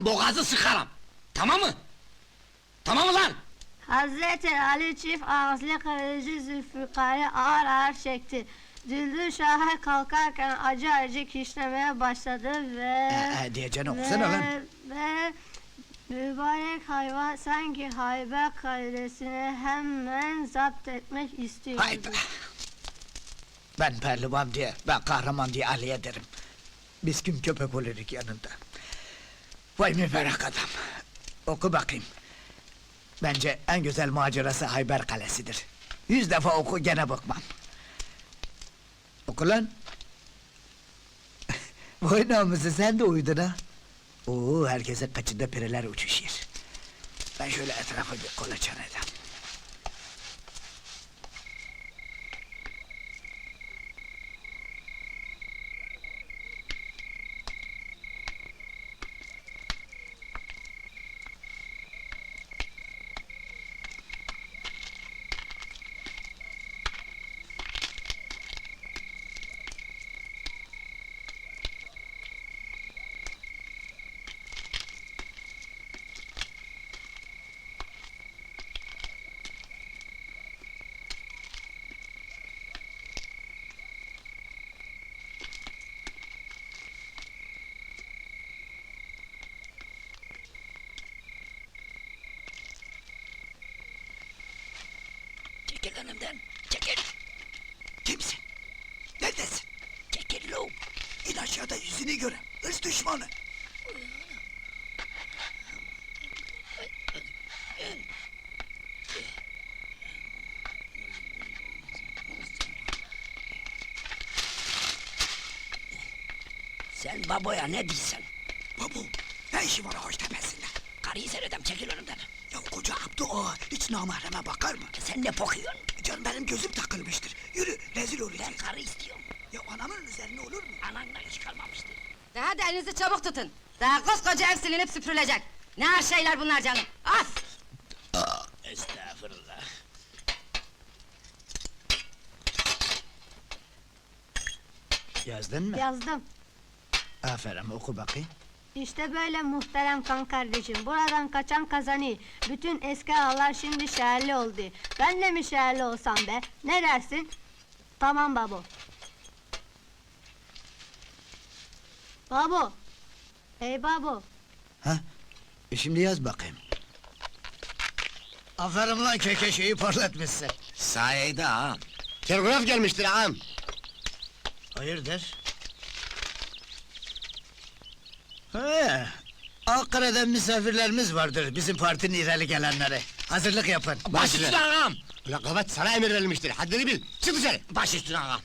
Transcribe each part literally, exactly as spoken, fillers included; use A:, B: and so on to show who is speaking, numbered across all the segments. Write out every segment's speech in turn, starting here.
A: boğazı sıkarım! Tamam mı? Tamam mı lan?
B: Hazreti Ali çift ağızlı kılıcı Zülfikar'ı ağır ağır çekti. Düldül Şah'a kalkarken acı acı kişnemeye başladı ve...
C: Ee, e, diyeceğini okusana lan.
B: ve, ve mübarek hayvan sanki Hayber kalesini hemen zapt etmek istiyordu.
C: Hayda! Ben pehlivan diye, ben kahraman diye Ali'ye derim. Biz kim köpek oluruk yanında. Vay mübarek adam! Oku bakayım. Bence en güzel macerası Hayber Kalesi'dir. Yüz defa oku gene bakmam. Oku lan! Vay namusu sen de uyudun ha! Oo, herkese kaçında pireler uçuşuyor. Ben şöyle etrafa bir kolaçan edeyim. Çekil önümden, çekil! Kimsin? Neredesin? Çekil lo! İn aşağıda yüzünü göre, hırs düşmanı!
A: Sen baboya ne diyorsun?
C: Babu, ne işi var ağaç tepesinde?
A: Karıyı seyredem, çekil önümden!
C: Ya koca Abdu ağa, hiç namahreme bakar mı?
A: Sen ne bakıyorsun?
C: Canım benim gözüm takılmıştır. Yürü, rezil olacağız.
A: Ben karı istiyorum.
C: Ya anamın üzerine olur mu?
A: Ananla hiç kalmamıştır.
D: Daha da elinizi çabuk tutun. Daha koskoca ev silinip süpürülecek. Ne her şeyler bunlar canım. As!
A: Estağfurullah.
C: Yazdın mı?
B: Yazdım.
C: Aferin, oku bakayım.
B: İşte böyle muhterem kan kardeşim, buradan kaçan kazanı. Bütün eski ağalar şimdi şehirli oldu. Ben de mi şehirli olsam be? Ne dersin? Tamam babo. Babo! Hey babo!
C: Ha? E şimdi yaz bakayım. Aferin lan kekeşeyi parlatmışsın.
A: Sayede ağam.
E: Telgraf gelmiştir ağam.
C: Hayırdır? He, Ankara'dan misafirlerimiz vardır, bizim partinin ileri gelenleri. Hazırlık yapın.
A: Baş üstüne ağam!
E: Ulan kavat sana emir verilmiştir, haddini bil, çık dışarı!
A: Baş üstüne ağam!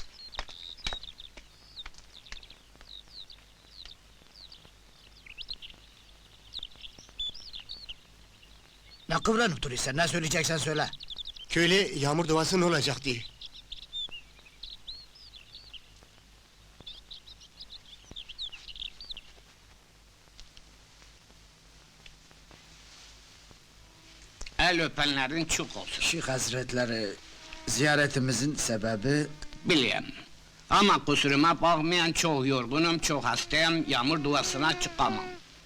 C: Ne kıvranıp duruyorsun, ne söyleyeceksen söyle.
E: Köylü yağmur duası ne olacak diye.
A: El öpenlerin çok olsun.
C: Şeyh Hazretleri, ziyaretimizin sebebi...
A: Biliyorum. Ama kusuruma bakmayan çok yorgunum, çok hastayım, yağmur duasına çıkamam.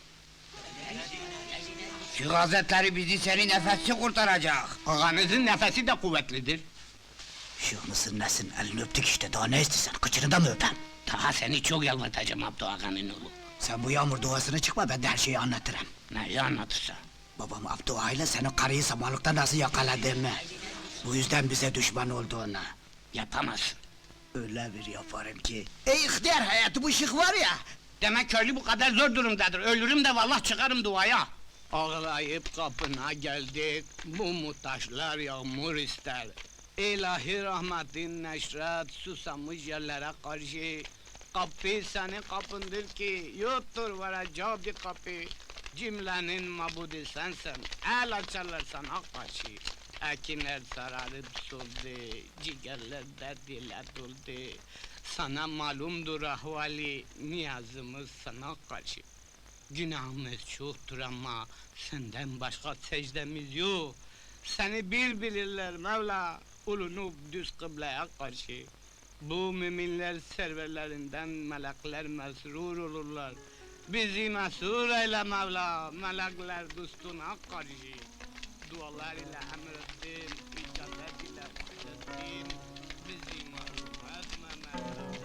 A: Şu Hazretleri bizi senin nefesi kurtaracak. Ağanızın nefesi de kuvvetlidir.
C: Şeyh mısın nesin, elini öptük işte, daha ne istiyorsun, kıçını da mı öpem?
A: Daha seni çok yalvatacağım Abdü Ağa'nın oğlu.
C: Sen bu yağmur duasına çıkma, ben de her şeyi anlatırım.
A: Neyi anlatırsa?
C: Babam Abdü Ağa ile senin karıyı samanlıkta nasıl yakaladığımı... ...bu yüzden bize düşman olduğunu...
A: Yapamazsın.
C: ...öyle bir yaparım ki... Ey ihtiyar hayatı bu şık var ya...
A: Demek köylü bu kadar zor durumdadır, ölürüm de vallahi çıkarım duaya. Ağlayıp kapına geldik, bu muhtaçlar yağmur ister. İlahi rahmetin neşret, susamış yerlere karşı. Kapı senin kapındır ki, yoktur varacağı bir kapı. Cümlenin mabudi sensin, el açarlar sana karşı. Ekinler sararıp soldu, ciğerler derdiyle doldu. Sana malumdur ahvali, niyazımız sana karşı. Günahımız çoktur ama senden başka secdemiz yok. Seni bir bilirler Mevla, ulunup düz kıbleye karşı. Bu müminler serverlerinden melekler mesrur olurlar. Bizi mesur eyle Mevla, melekler dostuna karşı. Dualar ile emrettin, icabet ile bahsettin. Bizi mahrum etme Mevla.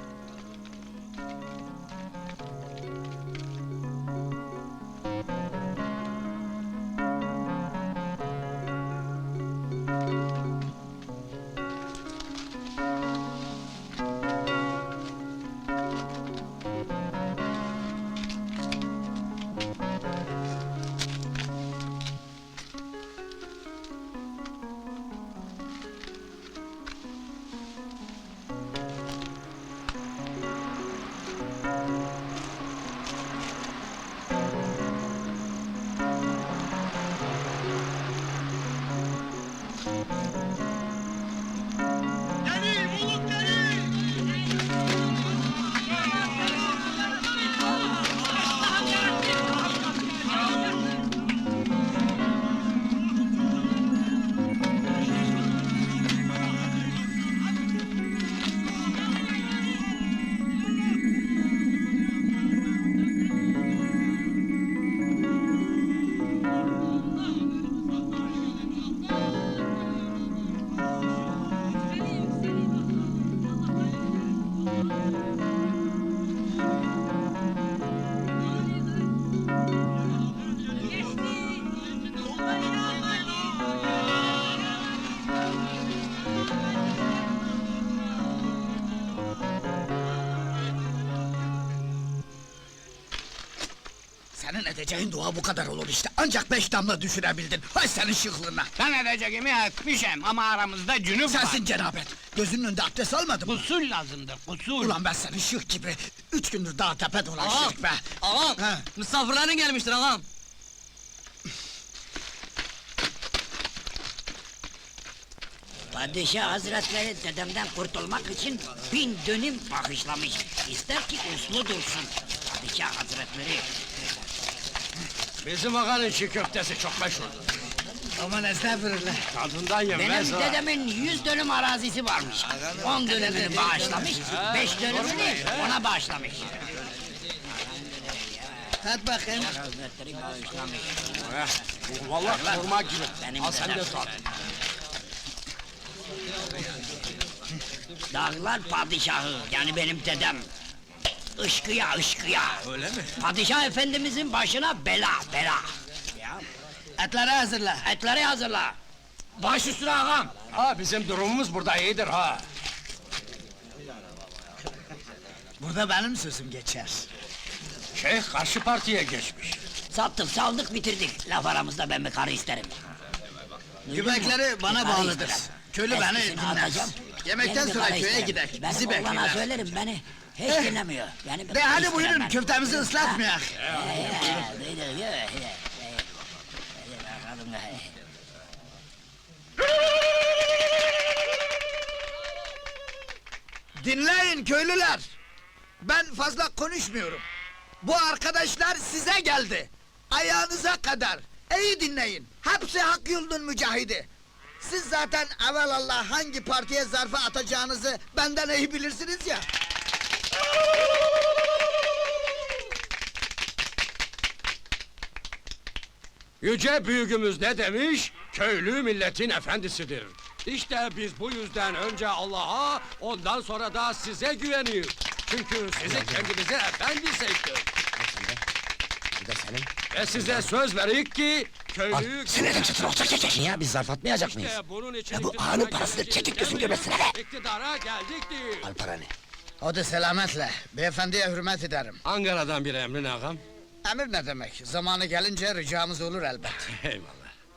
C: Senin edeceğin dua bu kadar olur işte. Ancak beş damla düşürebildin. Hay senin şıklığına.
A: Ben edeceğimi etmişim ama aramızda cünüp var.
C: Sensin cenabet. Gözünün önünde abdest almadın mı?
A: Usul lazımdır, usul.
C: Ulan ben senin şık gibi. Üç gündür dağ tepe dolaştık be.
F: Ağam,
C: He.
F: misafirlerin gelmiştir ağam.
G: Padişah hazretleri dedemden kurtulmak için bin dönüm bağışlamış. İster ki uslu dursun. Padişah hazretleri.
E: Bizim ağanın çiğ köftesi çok meşhurdur.
C: Aman estağfurullah.
E: Tadından yenmez
G: Benim dedemin yüz dönüm arazisi varmış. On dönümünü bağışlamış, beş dönümünü ona bağışlamış.
C: Hadi bakayım.
G: Hazretleri bağışlamış.
E: Vallahi kurma gibi.
G: Benim
E: Al sen de
G: dedem.
E: tat.
G: Dağlar padişahı, yani benim dedem. Işkıya, ışkıya. Öyle mi? Padişah efendimizin başına bela, bela. Ya,
C: Etleri hazırla.
G: etleri hazırla.
E: Baş üstüne ağam. Ha bizim durumumuz burada iyidir ha.
C: Burada benim sözüm geçer.
E: Şeyh karşı partiye geçmiş.
G: Sattık, saldık, bitirdik. Laf aramızda ben bir karı isterim. Duydun mu?
C: Göbekleri bana
G: Bir karı
C: bağlıdır.
G: isterim.
C: Köylü beni
G: Eskisini
C: dinler.
G: atacağım,
C: Yemekten
G: yeni bir
C: sonra
G: karı
C: köye
G: isterim.
C: gider.
G: Benim
C: Bizi
G: oğlana
C: bekler.
G: söylerim, beni hiç
C: Eh.
G: dinlemiyor. Yani bir
C: De
G: karı
C: hadi
G: isterim
C: buyurun
G: ben.
C: köftemizi ıslatmayak. Dinleyin köylüler. Ben fazla konuşmuyorum. Bu arkadaşlar size geldi. Ayağınıza kadar. İyi dinleyin. Hepsi hak yolunun mücahidi. Siz zaten evelallah hangi partiye zarfı atacağınızı benden iyi bilirsiniz ya.
H: Yüce büyüğümüz ne demiş? Köylü milletin efendisidir. İşte biz bu yüzden önce Allah'a, ondan sonra da size güveniyoruz. Çünkü sizi kendimize efendi seçtik.
E: Bu da senin.
H: Ve size söz verik ki köylü...
E: Senedim satın olacak çekek. Niye biz zarf atmayacak mıyız?
H: İşte bunun için
E: Ya bu
H: iktidara
E: ağanın parasıdır,
H: geleceğiz
E: çekik gözün
H: demiyoruz.
E: göbesine be!
H: İktidara geldik değil.
E: Al paranı.
C: Hadi selametle. Beyefendiye hürmet ederim.
H: Ankara'dan bir emrin ağam.
C: Emir ne demek? Zamanı gelince ricamız olur elbet.
H: Eyvallah.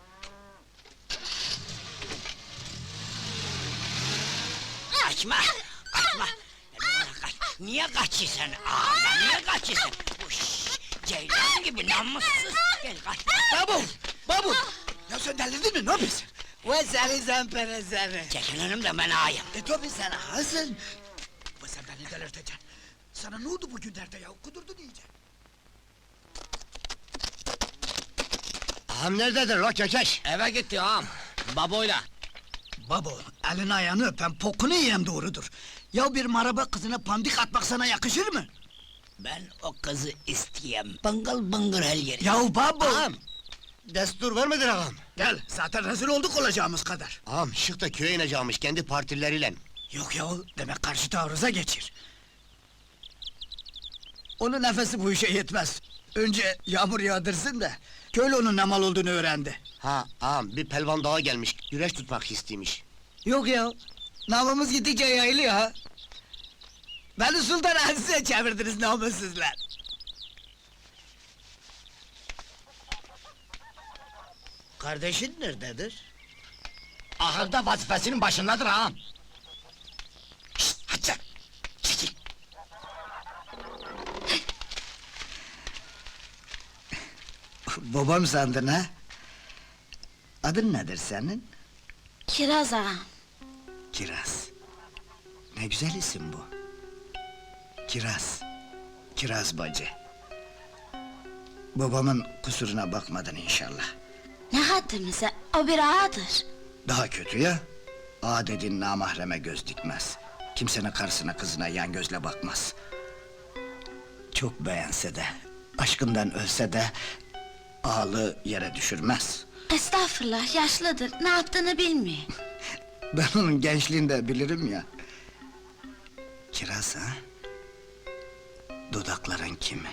G: Kaçma! Kaçma! Kaç. Niye kaçıyorsun? Aa, niye kaçıyorsun? Uş, ceylan gibi namussuz! Gel kaç!
C: Babu! Babu! Ya sen delirdin mi? Ne yapıyorsun? Ve seni zempere seni.
G: Çekil önümden, ben ağayım!
C: E tabi sen hazın. Ve sen beni delirteceksin. Sana ne oldu bugünlerde ya? Kudurdun iyice.
E: Ağam nerededir la kekeş?
F: Eve gitti ağam, baboyla.
C: Babo, elini ayağını öpen pokunu yiyen doğrudur. Ya bir maraba kızına pandik atmak sana yakışır mı?
G: Ben o kızı isteyem. Bıngıl bıngır her yeri.
C: Yahu babo!
I: Ağam! Destur vermedin ağam.
C: Gel, zaten rezil olduk olacağımız kadar.
I: Ağam şık da köye ineceğimiş kendi partileriyle.
C: Yok yahu, demek karşı taarruza geçir. Onun nefesi bu işe yetmez. Önce yağmur yağdırsın da, köylü onun ne mal olduğunu öğrendi.
I: Ha ağam bir pelvan dağa gelmiş, güreş tutmak istiymiş.
C: Yok ya, namımız gittikçe yayılıyor ha. Beni Sultan Aziz'e çevirdiniz namussuzlar.
G: Kardeşin nerededir?
E: Ahırda vazifesinin başındadır ağam.
G: Şşt, hadi sen! Çekil!
C: Babam sandın ha? Adın nedir senin?
J: Kiraz ağam.
C: Kiraz. Ne güzel isim bu. Kiraz. Kiraz bacı. Babamın kusuruna bakmadın inşallah.
J: Ne haddimize, o bir ağadır.
C: Daha kötü ya. Ağa dediğin namahreme göz dikmez. Kimsenin karısına kızına yan gözle bakmaz. Çok beğense de, aşkından ölse de... ...ağalığı yere düşürmez.
J: Estağfurullah, yaşlıdır, ne yaptığını bilmiyor.
C: Ben onun gençliğinde bilirim ya. Kiraz ha? Dudakların kimi?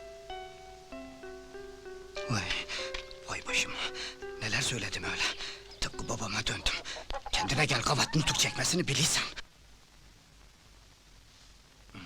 C: Vay, vay başım. Neler söyledim öyle. Tıpkı babama döndüm. Kendine gel kavat nutuk çekmesini bilirsen. Hmm.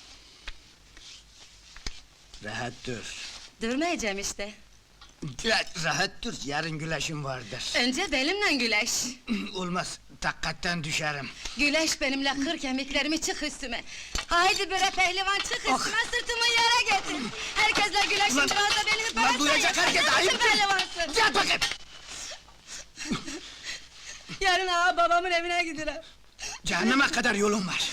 C: Rahat dur.
D: Durmayacağım işte.
C: Ra- Rahat dur, yarın güleşim vardır.
D: Önce benimle güleş.
C: Olmaz, takkatten düşerim.
D: Güleş benimle kır kemiklerimi çık üstüme. Haydi bre pehlivan çık üstüme, sırtımı yere getir. Herkesle güleşin,
C: Ulan-
D: biraz da belimi
C: ulan duyacak herkes, ayıp değil.
D: pehlivansın.
C: Gel bakayım!
D: Yarın ağa babamın evine giderim.
C: Cehenneme kadar yolun var.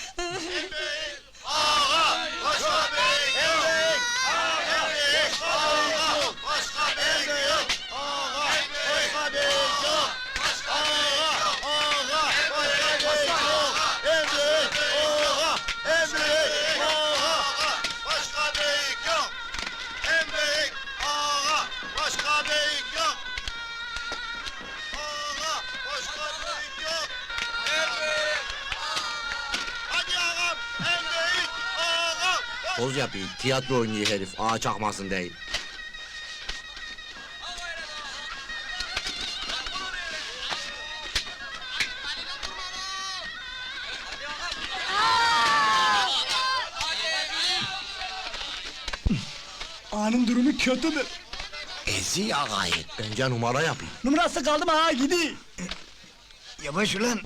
I: Poz yapıyor, tiyatro oynuyor herif, ağa çakmasın değil.
C: Ağanın durumu kötüdür.
I: Ezi ağayı. Bence numara yapıyor.
C: Numarası kaldı mı ha gidi. Yavaş ulan.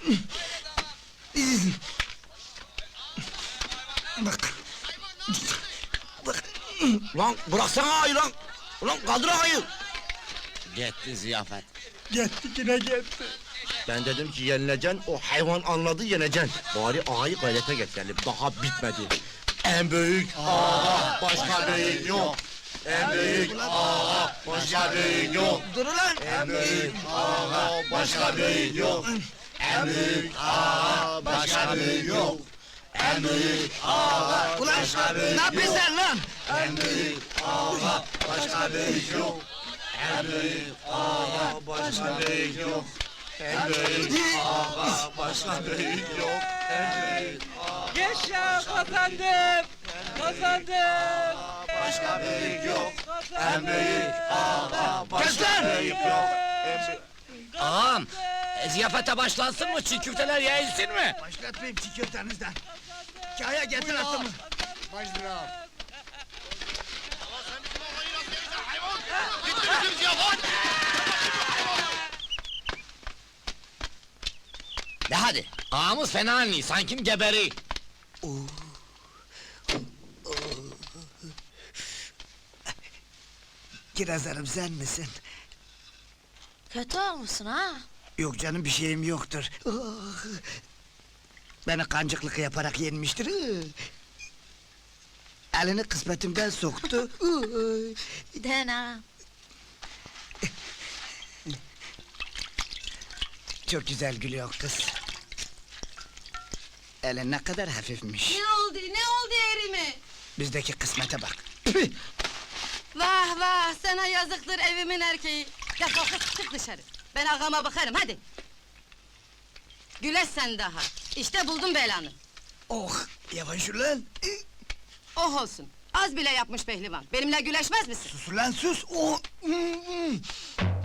C: Bak. Bak.
I: Lan bıraksana ağayı lan! Ulan kaldır ağayı! Gitti ziyafet.
C: Gitti yine gitti.
I: Ben dedim ki yenileceksin, o hayvan anladı yeneceksin. Bari ağayı gayrete getirelim, daha bitmedi. En büyük ağa, başka büyük yok. En büyük ağa, başka büyük yok.
C: Dur ulan.
I: En büyük ağa, başka büyük yok. En büyük ağa, başka büyük yok. En büyük ağa,
C: Ulan ne yapıyorsun sen lan?
I: en büyük ağa, başka büyük yok. En büyük ağa, başka büyük yok. En büyük ağa, başka büyük yok. En büyük
F: Yaşa kazandım! Kazandım!
I: başka büyük yok. En büyük ağa, başka büyük yok. En büyük...
F: Ağam, e, ziyafete başlansın mı? Çiğ köfteler yayılsın mı?
C: Başlatmayayım çiğ köftenizden. Kaya getir atımı.
F: De hadi, ağamız fena anli, sanki geberi.
C: Kiraz Hanım sen misin?
J: Kötü olmuşsun ha?
C: Yok canım bir şeyim yoktur. Ah! Beni kancıklık yaparak yenmiştir. Ah! Elini kısmetimden soktu. Ah!
J: Den ağam.
C: Çok güzel gülüyor kız. Elin ne kadar hafifmiş.
D: Ne oldu, ne oldu yerime?
C: Bizdeki kısmete bak.
D: Vah vah, sana yazıktır evimin erkeği. Defol kız, çık dışarı. Ben ağama bakarım, hadi. Güleş sen daha. İşte buldum belanı.
C: Oh, yavaş ulan.
D: Oh olsun. Az bile yapmış pehlivan. Benimle güleşmez misin?
C: Sus ulan sus. Oh.